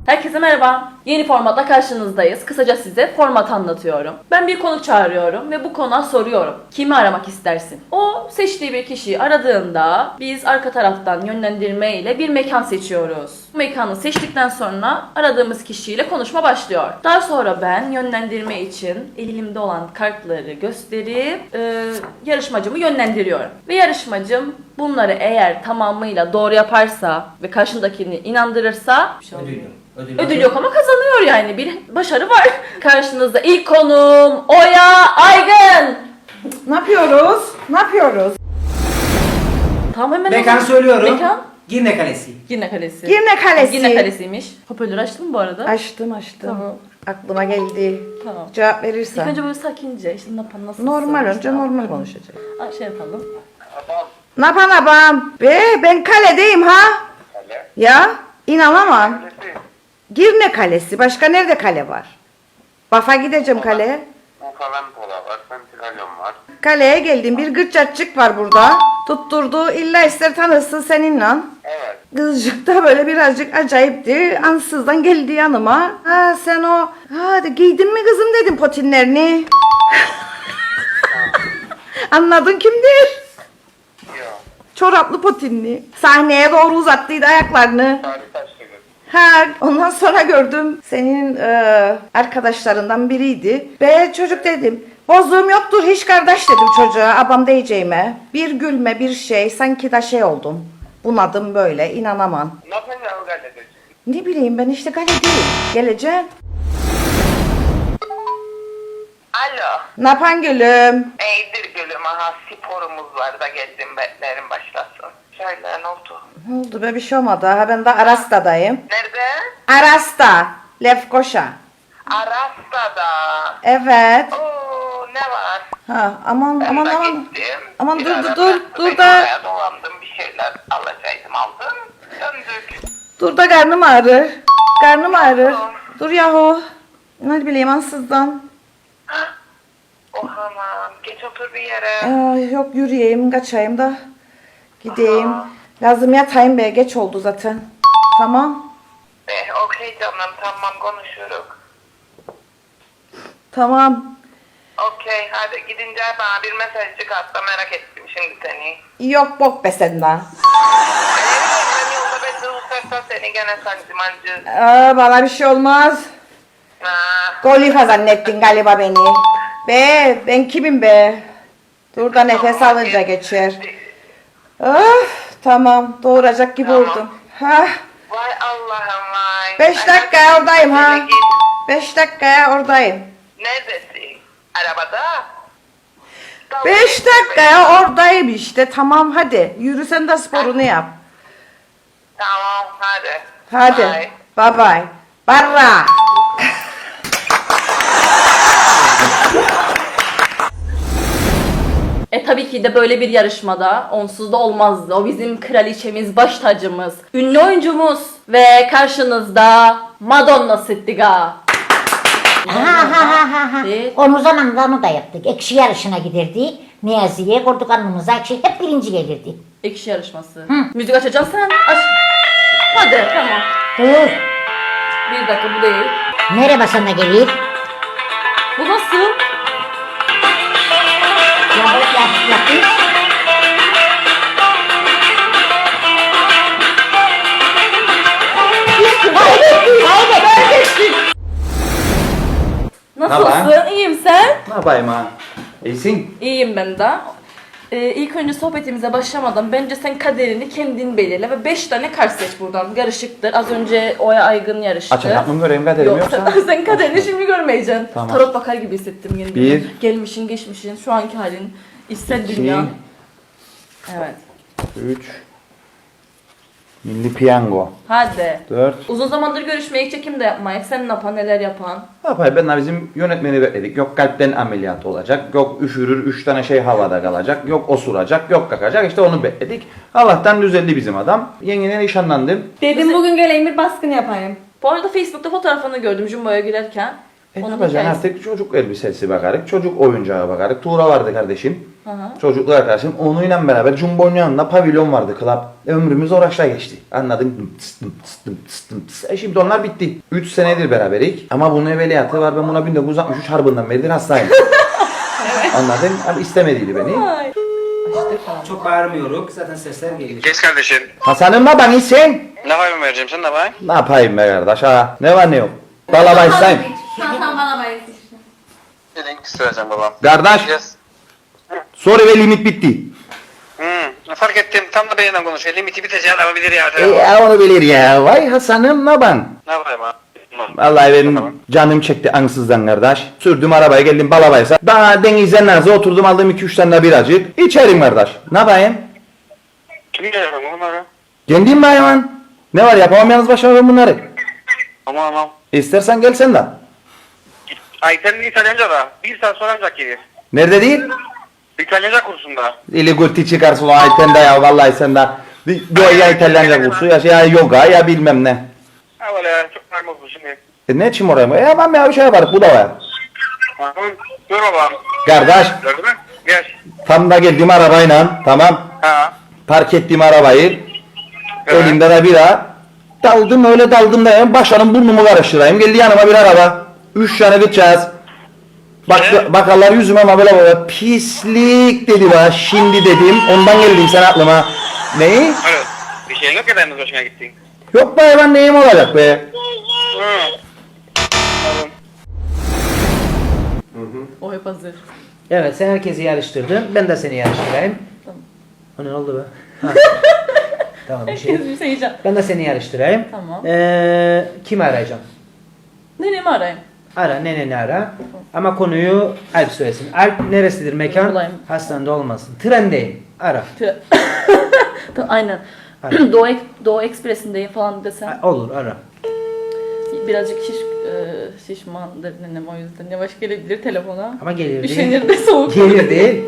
Herkese merhaba. Yeni formatla karşınızdayız. Kısaca size format anlatıyorum. Ben bir konuk çağırıyorum ve bu konuğa soruyorum. Kimi aramak istersin? O seçtiği bir kişiyi aradığında biz arka taraftan yönlendirme ile bir mekan seçiyoruz. Bu mekanı seçtikten sonra aradığımız kişiyle konuşma başlıyor. Daha sonra ben yönlendirme için elimde olan kartları gösterip yarışmacımı yönlendiriyorum. Ve yarışmacım bunları eğer tamamıyla doğru yaparsa ve karşındakini inandırırsa ödül yok ama kazanıyor yani. Bir başarı var. Karşınızda ilk konuğum Oya Aygın. Ne yapıyoruz? Ne yapıyoruz? Tamam hemen Mekan söylüyorum. Mekan? Girne Kalesi. Girne Kalesi. Girne Kalesi. Girne Kalesi'ymiş. Hoparlörü açtın mı bu arada? Açtım. Tamam. Aklıma geldi. Tamam. Cevap İlk verirsen. önce böyle sakince işte nasılsın? Normal önce İşte, normal konuşacak. Şey yapalım. Ne yapan abam? Ben kaledeyim ha? Kale. Ya inanamam. Kalesi. Girne Kalesi. Başka nerede kale var? Bafa gideceğim kaleye. Bu falan pola var. Pentagon var. Kaleye geldim. Bir gırçatçık var burada. Tutturdu. İlla ister tanırsın seninle. Evet. Kızcık da böyle birazcık acayipti. Ansızdan geldi yanıma. Ha sen o... Hadi giydin mi kızım dedim potinlerini. Anladın kimdir? Yok. Çoraplı potinli. Sahneye doğru uzattıydı ayaklarını. Tarih taşlı. Ha ondan sonra gördüm senin arkadaşlarından biriydi. Be çocuk dedim. Bozduğum yoktur hiç kardeş dedim çocuğa. Abam diyeceğime. Bir gülme bir şey sanki da şey oldum. Bunadım böyle inanamam. Ne yapacaksın o gazeteci? Ne bileyim ben işte gale değil. Geleceğim. Alo. Ne yapan gülüm? İyidir gülüm. Aha sporumuz var da geldim beklerim başlasın. Söyle ne oldu? Ne oldu be bir şey olmadı. Ha ben de Arasta'dayım. Nerede? Arasta. Lefkoşa. Arasta'da. Evet. Oo ne var? Ha aman Ben aman de aman. gittim. Aman Bir dur ara dur bıraktı dur beni da. oraya, dolandım bir şeyler alacaktım aldım. Döndük. Dur da karnım ağrır. Karnım ağrır. Dur yahu. Ne bileyim ansızdan. Oh aman geç otur bir yere. Ay, yok yürüyeyim kaçayım da. Gideyim. Aha. Lazım yatayım be geç oldu zaten. Tamam. Okey canım tamam konuşuruz. Tamam. Okey hadi gidince bana bir mesajcık at da merak ettim şimdi seni. Yok bok be senden. Ben yolda ben de uçarsa seni gene sancımancı. Bana bir şey olmaz. Golifa zannettin galiba beni. Be ben kimim be? Dur da nefes alınca geçer. Tamam doğuracak gibi Tamam. oldum. Ha, Vay Allah'ım vay. 5 dakikaya oradayım ha. Hadi git. 5 dakikaya oradayım. Neredesin? Arabada? 5 dakikaya oradayım işte. Tamam hadi. Yürü sen de sporunu yap. Tamam hadi. Hadi. Bye. Bye bye. Barra. Tabii ki de böyle bir yarışmada onsuz da olmazdı. O bizim kraliçemiz, baş tacımız, ünlü oyuncumuz ve karşınızda Madonna Sittiga. Evet. Onu zamanında onu da yaptık. Ekşi yarışına giderdik. Niyazi'ye koyduk alnımıza ekşi. Hep birinci gelirdi. Ekşi yarışması. Müzik açacaksın sen. Aç. Hadi tamam. Dur. Bir dakika bu değil. Nereye basana gelir? Bu nasıl? Yapış. Nasılsın? İyiyim sen? Ne yapayım ha? İyisin. İyiyim ben de. İlk önce sohbetimize başlamadan bence sen kaderini kendin belirle ve 5 tane kart seç buradan. Karışıktır. Az önce Oya Aygın yarıştı. Açacak mı göreyim kaderim Yok, yoksa? sen kaderini şimdi görmeyeceksin. Tamam. Tarot bakar gibi hissettim kendimi. Bir. Gelmişin, geçmişin, şu anki halin, içsel İki. dünya. Evet. 3 Milli Piyango. Hadi. 4 Uzun zamandır görüşmeyip çekim de yapmayıp sen ne yapan, neler yapan? Ne yapayım ben de bizim yönetmeni bekledik. Yok kalpten ameliyat olacak. Yok üşürür 3 tane şey havada kalacak. Yok osuracak. Yok kakacak. İşte onu bekledik. Allah'tan düzeldi bizim adam. Yengene nişanlandım. Dedim bugün geleyim bir baskın yapayım. Bu arada Facebook'ta fotoğrafını gördüm Jumbo'ya girerken. Ne Onun yapacaksın hikayesi. artık çocuk elbisesi bakarık. Çocuk oyuncağı bakarık. Tuğra vardı kardeşim. Çocuklu arkadaşım. Onunla beraber Jumbo'nun yanında pavilyon vardı, club. Ömrümüz oraçla geçti. Anladın? Şimdi onlar bitti. 3 senedir beraberik. Ama bunun evveliyatı var. Ben buna 1963 harbından beridir hastayım. Anladın? Ama istemediydi beni. Çok bağırmıyoruz. Zaten sesler geliyor. Geç kardeşim. Hasan'ım ne bana sen? Ne yapayım vereceğim sen ne yapayım? Ne yapayım be kardeş ha? Ne var ne yok? Balabayı sayayım. Sen bana bayılsın. Link isteyeceğim babam. Kardeş, Yes. sorry ve limit bitti. Fark ettim. Tam da benimle konuşuyor. Limiti biteceğini alabilir ya. Onu bilir ya. Vay Hasan'ım ne ben? Ne yapayım abi? Vallahi benim canım çekti ansızdan kardeş. Sürdüm arabaya geldim balabaysa. Daha denizden nazı oturdum aldım 2-3 tane biracık. İçerim kardeş. Ne yapayım? Kim geliyor bunları? Kendim mi hayvan? Ne var yapamam yalnız başıma ben bunları. Tamam. İstersen gel sen de. Ayten'in İtalyanca da. Bir saat sonra ancak gelir. Nerede değil? İtalyanca kursunda. İli gurti çıkarsın o aytende ya vallahi sen de. Ya İtalyanca kursu ya yoga ya bilmem ne. Ha böyle çok normal bu şimdi. Ne için oraya mı? Ya ben bir şey yaparız bu da var. Tamam. Dur babam. Kardeş Gördün mü? Gel. tam da geldim arabayla tamam. Ha. Park ettim arabayı. Evet. Elimde de bira. Daldım öyle daldım da yani başlarım burnumu karıştırayım. Geldi yanıma bir araba. 3 tane gideceğiz. Bakarlar yüzüme ama böyle pislik dedi bana. Şimdi dedim. Ondan geldim sen aklıma. Neyi? Öyle. Bir şeyin yok ya da hoşuna gittin. Yok be ben neyim olacak be. O hep hazır. Evet sen herkesi yarıştırdın. Ben de seni yarıştırayım. O ne oldu be? Ha. Tamam bir şey. Herkes bir şey yiyeceğim. Ben de seni yarıştırayım. Tamam. Kimi arayacağım? Neremi arayayım? Ara neneni ara. Ama konuyu Alp söylesin. Alp neresidir mekan? Bulayım. Hastanede olmasın. Trendeyim. Ara. Aynen. Aynen. Doğu Ekspresi'ndeyim falan desem. Ha, olur ara. Birazcık şişmandır nenem o yüzden. Yavaş gelebilir telefona. Ama gelir değil. Üşenir de soğuk. Gelir değil.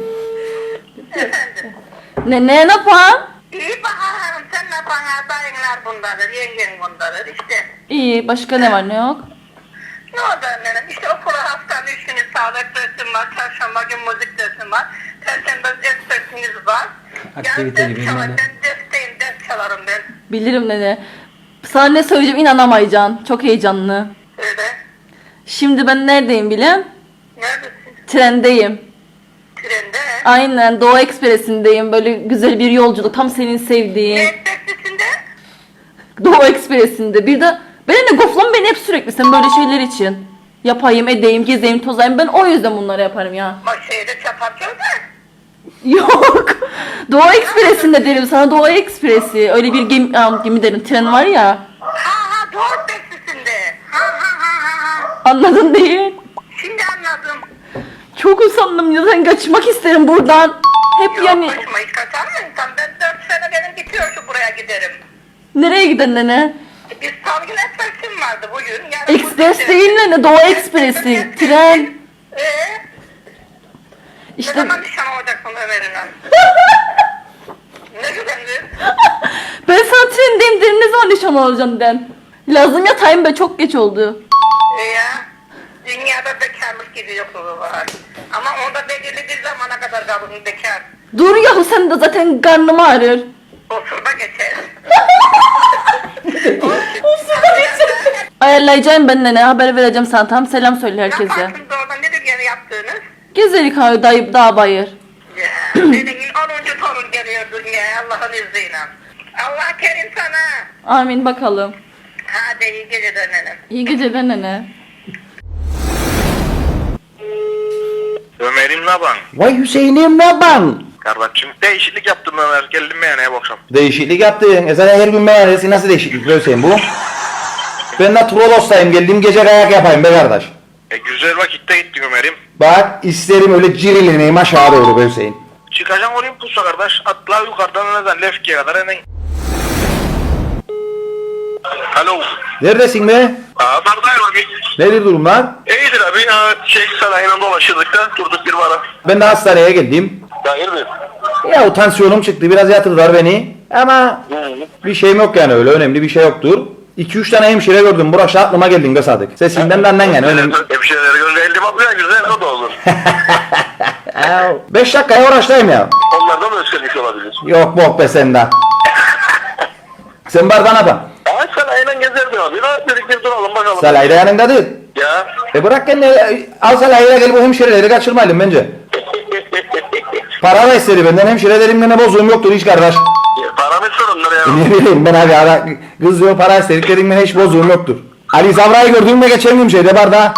Ne yapan? İyi bakalım sen ne bana dayınlar bundadır, yengen bundadır işte. İyi. Başka ne var ne yok? Ne oldu annem? İşte okula haftanın 3 günü sağlık dersim var, çarşamba gün müzik dersim var, perşembe ders dersimiz var. Aktivite Yani gibi ders çalar, yani. ben dersteyim, ders çalarım ben. Bilirim nene. Sana ne söyleyeceğim inanamayacaksın. Çok heyecanlı. Öyle. Şimdi ben neredeyim bilen? Neredesin? Trendeyim. Trende. Aynen Doğu Ekspresi'ndeyim. Böyle güzel bir yolculuk. Tam senin sevdiğin. Ne taksisinde? Doğu Ekspresi'nde. Bir de benimle goflan beni hep sürekli sen böyle şeyler için. Yapayım, edeyim, gezeyim, tozayım. Ben o yüzden bunları yaparım ya. Şeyde çapatıyor da. Yok. Doğu Ekspresi'nde derim sana Doğu Ekspresi. Öyle bir gemi derim. Tren var ya. Ha doğru taksisinde. Ha. Anladın değil. Şimdi anladım. Çok usandım ya. Ben kaçmak isterim buradan. Hep Yok yani. başıma hiç kaçar mı insan? Ben 4 sene benim bitiyor şu buraya giderim. Nereye giden nene? Biz Salgın Ekspres'im vardı bugün. Yarın Ekspres bugün değil nene. Doğu Ekspresi. Tren. Ne İşte zaman nişan olacaksın Ömer'inle? Ne güvendir? ben sana trendeyim derim. Ne zaman nişan olacaksın den. Lazım yatayım be. Çok geç oldu. Ya. Dünyada bekarlık gibi yokluğu var. Ama onda belirli bir zamana kadar kalın bekar. Dur yahu sen de zaten karnım ağrır. Osurda geçer. Ayarlayacağım ben nene. Haber vereceğim sana. Tamam selam söyle herkese. Yaparsınız orada nedir yani yaptığınız? Gezelik ha dayı dağ bayır. Ya. Senin 10. torun geliyor dünyaya Allah'ın izniyle. Allah kerim sana. Amin bakalım. Hadi iyi geceler nenem. İyi geceler nene. Ömer'im ne yapan? Vay Hüseyin'im ne ben? Kardeşim değişiklik yaptım Ömer. Geldim meyhaneye bu akşam. Değişiklik yaptın. Zaten her gün meyhanesi nasıl değişiklik be Hüseyin bu? Ben de Trollos'tayım geldim gece kayak yapayım be kardeş. Güzel vakitte gittin Ömer'im. Bak isterim öyle cirilineyim aşağı doğru be Hüseyin. Çıkacaksın Olympus'a kardeş. Atla yukarıdan neden Lefki'ye kadar enen. Alo. Neredesin be? Dardayım abi. Nedir durumlar? İyidir abi. Sarayına dolaşırdık da durduk bir ara. Ben de hastaneye geldim. Hayırdır? Ya tansiyonum çıktı biraz yatırdılar beni. Ama bir şeyim yok yani öyle önemli bir şey yoktur. 2-3 tane hemşire gördüm. Burası aklıma geldin be Sadık. Sesinden de annen yani önemli. Hemşireleri görünce 50 bakıyor güzel o da olur. 5 dakikaya uğraştayım ya. Onlardan mı öğrenmiş olabilir? Yok bok be senden. Sen bardağına bak. Ay sen aynen gezerdin abi. Ne dedik bir duralım bakalım. Salayda yanında değil. Ya. Bırak kendini al salayla gel bu hemşireleri kaçırmayalım bence. Para da istedi benden hemşirelerimle ne bozuğum yoktur hiç kardeş. Para mı sorunlar ya? Ne bileyim ben abi ara, kız diyor para istediklerimle hiç bozuğum yoktur. Ali Zavra'yı gördüğümde geçen gün şeyde bardağa.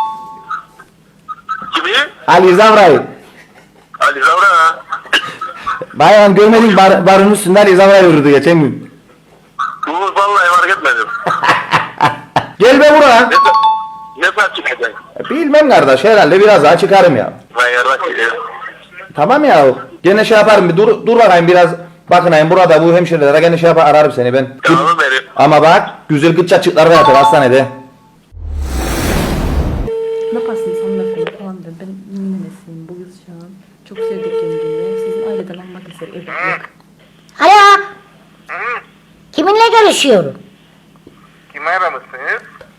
Kimi? Ali Zavra'yı. Ali Zavra ha. Bayan görmedim barın üstünde Ali Zavra yürüdü geçen gün. Bu vallahi fark etmedim. Gel be buraya. Ne saat çıkacaksın? Bilmem kardeş herhalde biraz daha çıkarım ya. Ben yarrak geliyor. Tamam ya gene şey yaparım bir dur bakayım biraz bakınayım burada bu hemşirelere gene şey yapar ararım seni ben. Tamam benim. Ama bak güzel gıç açıklar yatır hastanede. Ne yaparsınız hanımefendi falan dedim. Ben nenesiyim bu kız şu an. Çok sevdik kendini. Sizin aileden almak ister evlatlık. Alo. Kiminle görüşüyorum? Kimi aramışsınız?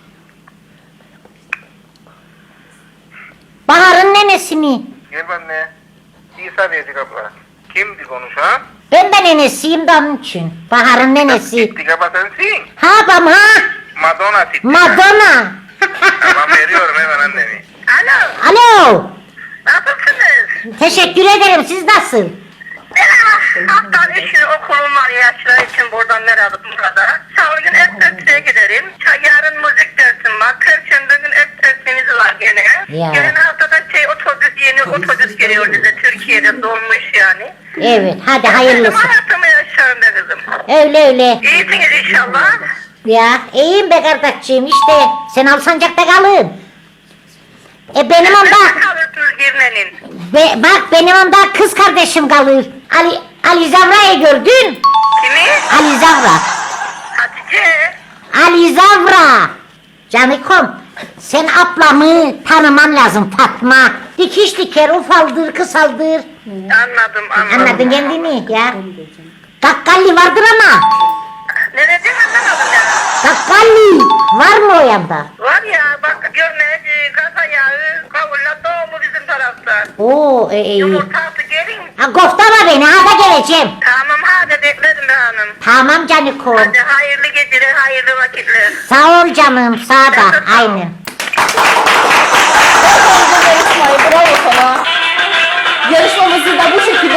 Bahar'ın nenesi mi? Gel benimle. İsa diyecek abla. Kimdi konuşan? Ben de nenesiyim de onun için. Bahar'ın nenesi. Dik abla sensin. Ha babam ha. Madonna Dik. Madonna. Tamam veriyorum hemen annemi. Alo. Alo. Nasılsınız? Teşekkür ederim. Siz nasıl? Haftanın 3 günü okulum var yaşlar için buradan merhaba burada. Salı gün et dersine giderim. Yarın müzik dersim var. Perşembe gün et dersimiz var gene. Ya. Gelen haftada yeni otobüs geliyor bize Türkiye'de dolmuş yani. Evet. Hadi hayırlısı. Hayatımı yaşıyorum be kızım. Öyle öyle. İyisiniz inşallah. Ya iyiyim be kardeşciğim işte. Sen Alsancak'ta kalın. Benim onda Kalırsınız Girne'nin. bak benim onda kız kardeşim kalır. Ali Zavra'yı gördün? Kimi? Ali Zavra. Hatice. Ali Zavra. Canikom. Sen ablamı tanıman lazım Fatma. Dikiş diker, ufaldır, kısaldır. Anladım. Anladın kendini ya. Kakkalli vardır ama. Ne dedin anlamadım ya. Kakkalli var mı o yanda? Var ya bak görme kasa yağı kavulla doğumu bizim tarafta. Oo iyi. Yumurtası gelin. Ha, koftama beni, hadi geleceğim. Tamam hadi beklerim be hanım. Tamam Canikom. Hadi hayırlı geceler, hayırlı vakitler. Sağ ol canım, sağ da. Aynen. Yarışmayı bravo sana. Yarışmamızı da bu şekilde